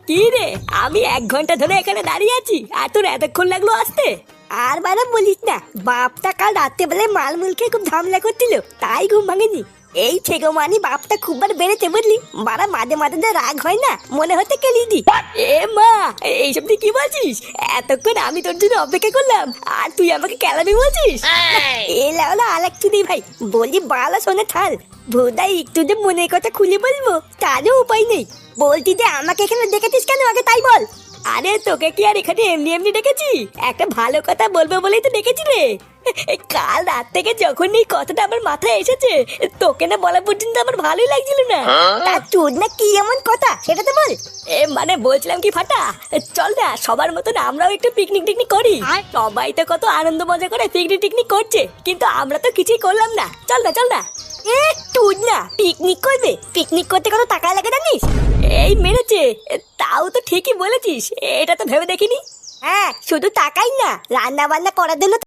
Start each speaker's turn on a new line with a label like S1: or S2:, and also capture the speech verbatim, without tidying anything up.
S1: কি রে, আমি এক ঘন্টা ধরে এখানে দাঁড়িয়ে আছি আর তোর এতক্ষণ লাগলো আসতে?
S2: আর বারা বলিস না, বাপটা কাল রাত্রে বেলায় মাল মুল খেয়ে খুব ঝামেলা করছিল, তাই ঘুম ভাঙেনি। এই ছেগো মানি বাপটা খুব বার বেড়েছে বুঝলি, বারা মাঝে মাঝে যে রাগ হয় না, মনে হতে কেলি দি।
S1: এ মা, এইসব তুই কি বলছিস? এতক্ষণ আমি তোর জন্য অপেক্ষা করলাম আর তুই আমাকে কেলামি বলছিস?
S2: এলা ওলা আলাক চুদি ভাই, বলি বালা শোনে থাল, ভোদাই একটু যে মনের কথা খুলে বলবো তারও উপায় নেই। বলতি যে আমাকে এখানে দেখেছিস কেন, আগে তাই বল।
S1: আরে তোকে কি আর এখানে এমনি এমনি ডেকেছি? একটা ভালো কথা বলবো বলেই তো ডেকেছি রে। কাল রাত থেকে যখন এই কথাটা আমার মাথায় এসেছে, তোকে না বলা পর্যন্ত আমার ভালোই লাগছিল না।
S2: তা তোর না কি এমন কথা সেটা তো বল।
S1: এ মানে বলছিলাম কি ফাটা, চল না সবার মতন আমরাও একটু পিকনিক টিকনিক করি। সবাই তো কত আনন্দ মজা করে পিকনিক টিকনিক করছে, কিন্তু আমরা তো কিছুই করলাম না। চল না চল না।
S2: এ তুই না পিকনিক করবে? পিকনিক করতে কত টাকা লাগে জানিস?
S1: এই মেরেছে, তাও তো ঠিকই বলেছিস, এটা তো ভেবে দেখিনি।
S2: হ্যাঁ, শুধু টাকাই না, রান্না বান্না করার জন্য